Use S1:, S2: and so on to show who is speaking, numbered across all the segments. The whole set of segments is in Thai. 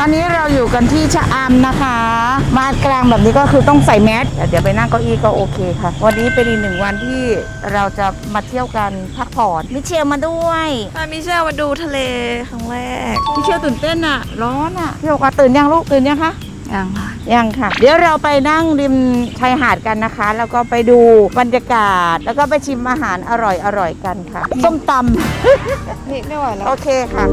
S1: อนนี้เราอยู่กันที่ชะอำนะคะ มากลางแบบนี้ก็คือต้องใส่แมสเดี๋ยวไปนั่งเก้าอี้ก็โอเคค่ะ วันนี้เป็นอีกหนึ่งวันที่เราจะมาเที่ยวกันพักผ่อนมิเชลมาด้วย
S2: มิเชลมาดูทะเลครั้งแรก
S1: มิเชลตื่นเต้นอะร้อนอะพี่บอกว่าตื่นยังลูกตื่นยังคะ
S2: ยังค่ะ
S1: ยังค่ะเดี๋ยวเราไปนั่งริมชายหาดกันนะคะ แล้วก็ไปดูบรรยากาศแล้วก็ไปชิมอาหารอร่อยกันค่ะส้มตำ
S2: นี่ไม่ไหวแล้ว
S1: โอเคค่ะ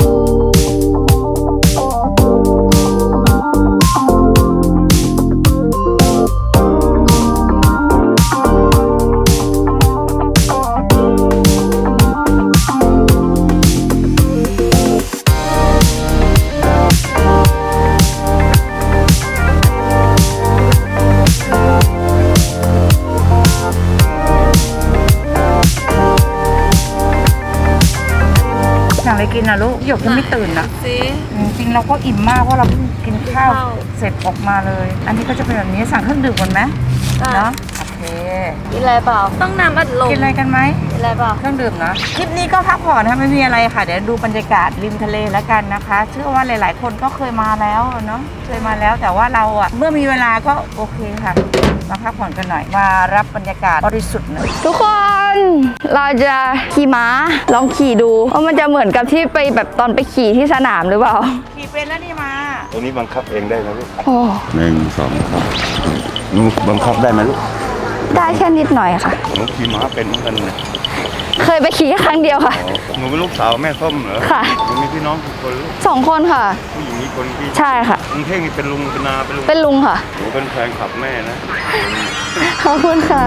S1: สั่งอะไรกินนะลูกหยกยังไม่ตื่นนะจริงเราก็อิ่มมากเพราะเราเพิ่งกินข้าวเสร็จออกมาเลย อันนี้ก็จะเป็นแบบนี้สั่งเครื่องดื่มก่อนไหมเนาะโอเค
S2: กินอะไรเปล่าต้องน้ำอัดลม
S1: กินอะไรกันไหม
S2: กินอะไรเปล่า
S1: เครื่องดื่มนะคลิปนี้ก็พักผ่อนนะไม่มีอะไรค่ะเดี๋ยวดูบรรยากาศริมทะเลแล้วกันนะคะเชื่อว่าหลายๆคนก็เคยมาแล้วเนาะเคยมาแล้วแต่ว่าเราอะเมื่อมีเวลาก็โอเคค่ะมาพักผ่อนกันหน่อยมารับบรรยากาศบริสุทธิ์หน่อย
S2: ทุกคนเราจะขี่ม้าลองขี่ดูว่ามันจะเหมือนกับที่ไปแบบตอนไปขี่ที่สนามหรือเปล่า
S1: ขี่เป็นแล้วนี่มา
S3: ตัวนี้บังคับเองได้ไหมลูก
S2: โอ้
S3: 1 2หนูบังคับได้ไหมลูก
S2: ได้แค่นิดหน่อยค่ะ
S3: หนูขี่ม้าเป็นเหมือนกันนะ
S2: เคยไปขี่ครั้งเดียวค่ะ
S3: หนูเป็นลูกสาวแม่ส้มเหรอ
S2: ค่ะ
S3: หนูมีพี่น้องกี่คนลูก
S2: 2 คนค่ะ
S3: ผู้หญิงมีคนพี่
S2: ใช่ค่ะ
S3: ลุงเท่งนี่เป็นลุงเป็นนา
S2: เป็นลุงค่ะ
S3: หนูเป็นแฟนขับแม่นะ
S2: ขอบคุณค่ะ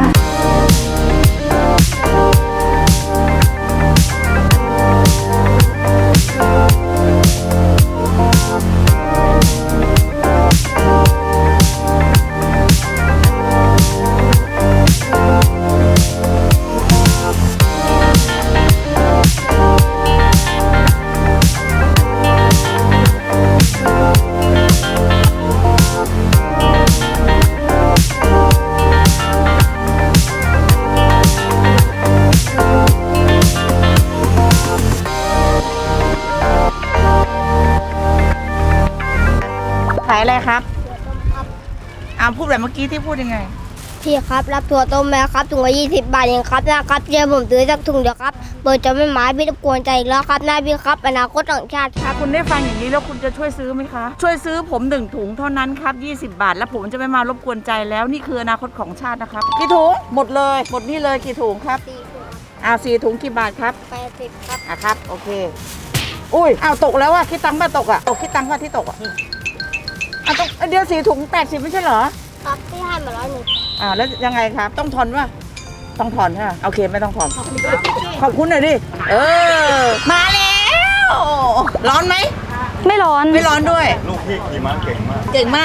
S1: ขายอะไรครับพูดแบบเมื่อกี้ที่พูดยังไง
S4: พี่ครับรับถั่วต้มไหมครับถุงละ20 บาทเองครับนะครับเดี๋ยวผมซื้อสักถุงเดียวครับเปิดจะไม่หมายพี่รบกวนใจอีกแล้วครับหน้าพี่ครับอนาคตของชาติครับ
S1: คุณได้ฟังอย่างนี้แล้วคุณจะช่วยซื้อไหมคะช่วยซื้อผม1 ถุงเท่านั้นครับ20 บาทแล้วผมจะไม่มารบกวนใจแล้วนี่คืออนาคตของชาตินะครับกี่ถุงหมดเลยหมดนี่เลยกี่ถุงครับ4 ถุงกี่บาทครับ
S4: 80ครับ
S1: ครับโอเคอุ้ยตกแล้วอะคิดตังค์ป่ะตกอะคิดตังค์ป่ะที่ตกอะตกเดี๋ยว4 ถุง80ไม่ใช่เหรอ
S4: ครับที่ให้มา100
S1: แล้วยังไงครับต้องทอนป่ะต้องถอนใช่ไหมโอเคไม่ต้องถอนขอบคุณหน่อยดิมาแล้วร้อนไหม
S2: ไม่ร้อน
S1: ด้วย
S3: ลูกพี่ขี่ม้าเก่งมาก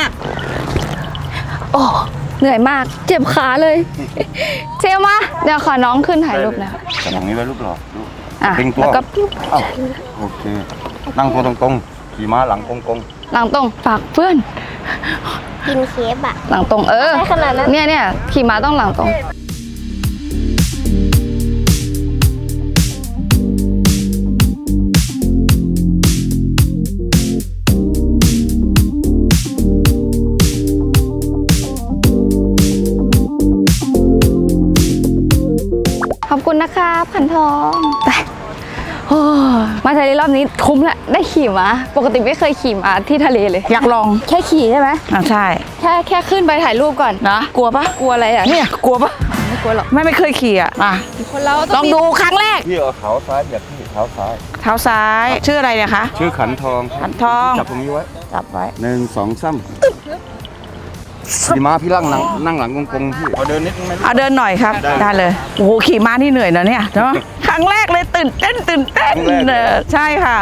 S2: โอ้เหนื่อยมากเจ็บขาเลยเซลมาเดี๋ยวขอน้องขึ้นถ่ายรูปนะ
S3: อย่างนี้ไว้ลูกหรอ
S2: เต็งตัว
S3: โอเคนั่งตัวตรงๆขี่ม้าหลังตรง
S2: หลังตรงฝากเพื่อน
S4: กินเคฟอะ
S2: หลังตรง
S4: ขนาดนั้น
S2: เนี่ยขี่ม้าต้องหลังตรงขอบคุณนะครับขันทองไปมาทะเลรอบนี้คุ้มแหละได้ขี่ม้าปกติไม่เคยขี่ม้าที่ทะเลเลย
S1: อยากลอง
S2: แค่ขี่ใช่ไหม
S1: ใช่
S2: แค่ขึ้นไปถ่ายรูปก่อน
S1: นะกลัวปะ
S2: กลัวอะไรอ่ะ
S1: เนี่ยกลัวปะ
S2: ไม่กลัวหรอก
S1: ไม่เคยขี่อ่ะ
S2: คนเรา
S1: ต้องดูครั้งแรก
S3: พี่เอาเท้าซ้ายแบบพี่เท้าซ้าย
S1: ชื่ออะไรเนี่ยคะ
S3: ชื่อขันทองจับตรงนี้ไว้
S1: จับไว้
S3: 1 2 3ขี่ม้าพี่นั่งหลังกงพี่เอาเดินนิดนึงไหม
S1: เดินหน่อยครับได้เลยโอ้โหขี่ม้านี่เหนื่อยนะเนี่ยเนาะครั้งแรกเลยตื่นเต้นใช่ค่ะ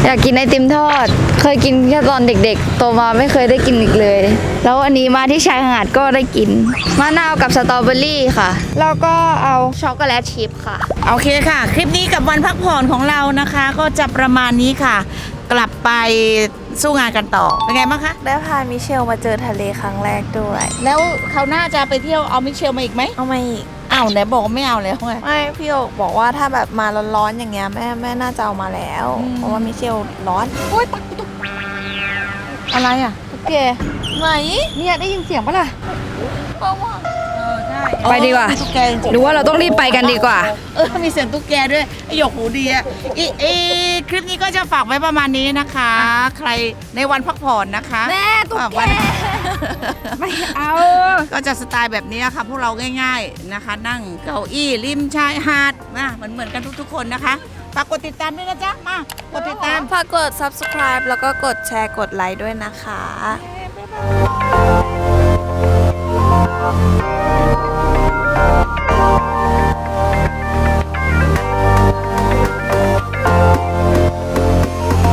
S2: อยากกินไอติมทอด เคยกินแค่ตอนเด็กๆ โตมาไม่เคยได้กินอีกเลย แล้ววันนี้มาที่ชายหาดก็ได้กินมะนาวกับสตรอเบอรี่ค่ะ แล้วก็เอาช็อกโกแลตชิพค่ะ
S1: โอเคค่ะ คลิปนี้กับวันพักผ่อนของเรานะคะ ก็จะประมาณนี้ค่ะ กลับไปสู้งานกันต่อเป็นไงบ้างคะ
S5: ได้พามิเชลมาเจอทะเลครั้งแรกด้วย
S1: แล้วคราวหน้าจะไปเที่ยวเอามิเชลมาอีกไหม
S5: เอามาอีก
S1: อ้าวไหนบอกว่าไม่เอาแล้วไง
S5: ไม่พี่โอกบอกว่าถ้าแบบมาร้อนๆอย่างเงี้ยแม่น่าจะเอามาแล้ว เพราะว่ามิเชลร้อน
S1: โอ๊ยตักตุ๊กอะไรอ่ะ
S5: โอเคไหน
S2: เนี่ยได้ยินเสียงปะล่ะ
S1: ใช่
S2: ไปดีกว่า
S1: มีตุ๊กแกจริงๆ
S2: หรือว่าเราต้องรีบไปกันดีกว่า
S1: มีเสียงตุ๊กแกด้วยไอหยกหูดีอะคลิปนี้ก็จะฝากไว้ประมาณนี้นะคะ ใครในวันพักผ่อนนะคะ
S2: แม่ตุ๊กแก
S1: วัน
S2: ไม่เอา
S1: ก็จะสไตล์แบบนี้ค่ะพวกเราง่ายๆนะคะ นั่งเก้าอี้ริมชายหาดนะเหมือนกันทุกๆคนนะคะฝากกดติดตามด้วยนะจ๊ะมากดติดตาม
S5: ฝากกด subscribe แล้วก็กดแชร์กดไลค์ด้วยนะคะ
S1: บ๊ายบาย